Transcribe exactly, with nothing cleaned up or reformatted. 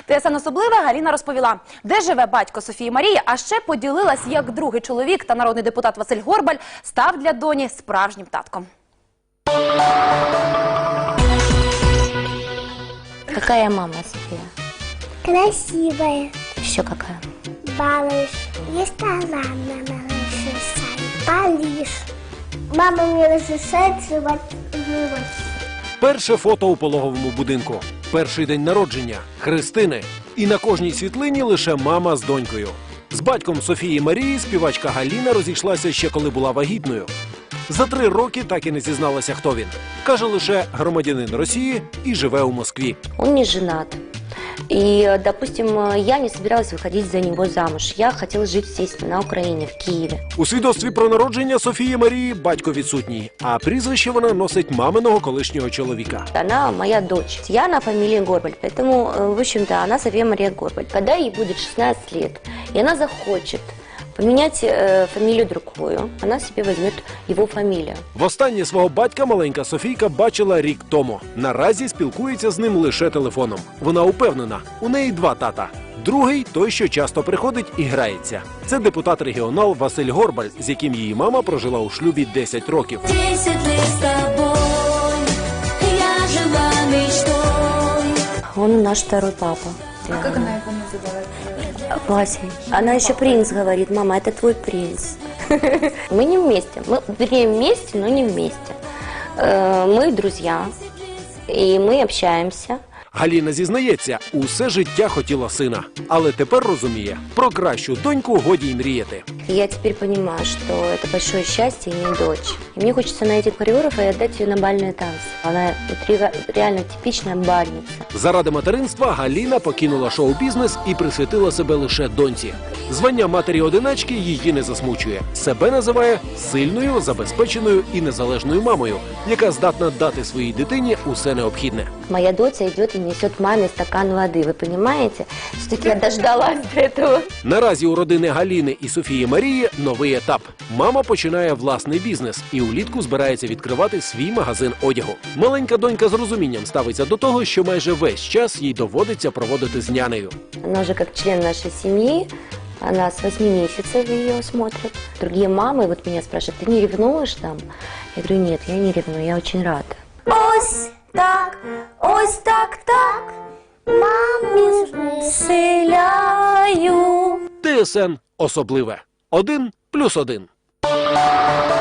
ТСН особливе Галіна розповіла, де живе батько Софії Марії, а ще поділилась, як другий чоловік та народний депутат Василь Горбаль став для доні справжнім татком. Какая мама, София? Красивая. Еще какая? Балыш. Есть талант, мама разрешает. Балиш. Мама мне разрешает жевать живот. Перше фото у пологовому будинку. Перший день народження. Христини. І на кожній світлині лише мама з донькою. З батьком Софії Марії співачка Галіна розійшлася ще коли була вагітною. За три роки так і не зізналася, хто він. Каже лише громадянин Росії і живе у Москві. Он не женат. И, допустим, я не собиралась выходить за него замуж. Я хотела жить здесь, на Украине, в Киеве. У свідоцтві про народження Софії Марії батько відсутній, а прізвище вона носить маминого колишнього чоловіка. Она моя дочь. Я на фамилии Горбаль, поэтому, в общем-то, она София Мария Горбаль. Когда ей будет шестнадцать лет, и она захочет поменять э, фамилию другую, она себе возьмет его фамилию. Востаннє свого батька маленька Софійка бачила рік тому. Наразі спілкується з ним лише телефоном. Вона упевнена, у неї два тата. Другий – той, що часто приходить і грається. Це депутат-регіонал Василь Горбаль, з яким її мама прожила у шлюбі десять років. Он наш второй папа. А как она его называет? Вася. Она еще принц говорит. Мама, это твой принц. Мы не вместе. Мы, вернее, вместе, но не вместе. Мы друзья. И мы общаемся. Галіна зізнається, усе життя хотіла сина. Але тепер розуміє, про кращу доньку годі й мріяти. Я теперь понимаю, что это большое счастье иметь дочь. И мне хочется найти хореографа и отдать ее на бальные танцы. Она реально типичная бальница. Заради материнства Галіна покинула шоу-бізнес і присвятила себе лише доньці. Звання матері-одиначки її не засмучує. Себе називає сильною, забезпеченою і незалежною мамою, яка здатна дати своїй дитині усе необхідне. Моя дочь идет и несет маме стакан воды, вы понимаете? Все-таки я дождалась до этого. Наразі у родини Галіни і Софії Марії новий етап. Мама починає власний бізнес і улітку збирається відкривати свій магазин одягу. Маленька донька з розумінням ставиться до того, що майже весь час їй доводиться проводити з нянею. Она уже как член нашей семьи, она с восьми месяцев ее смотрит. Другие мамы вот меня спрашивают, ты не ревнуешь там? Я говорю, нет, я не ревную, я очень рада. Ось так, ось так, так. Маму Селяю. ТСН особливе. Один плюс один.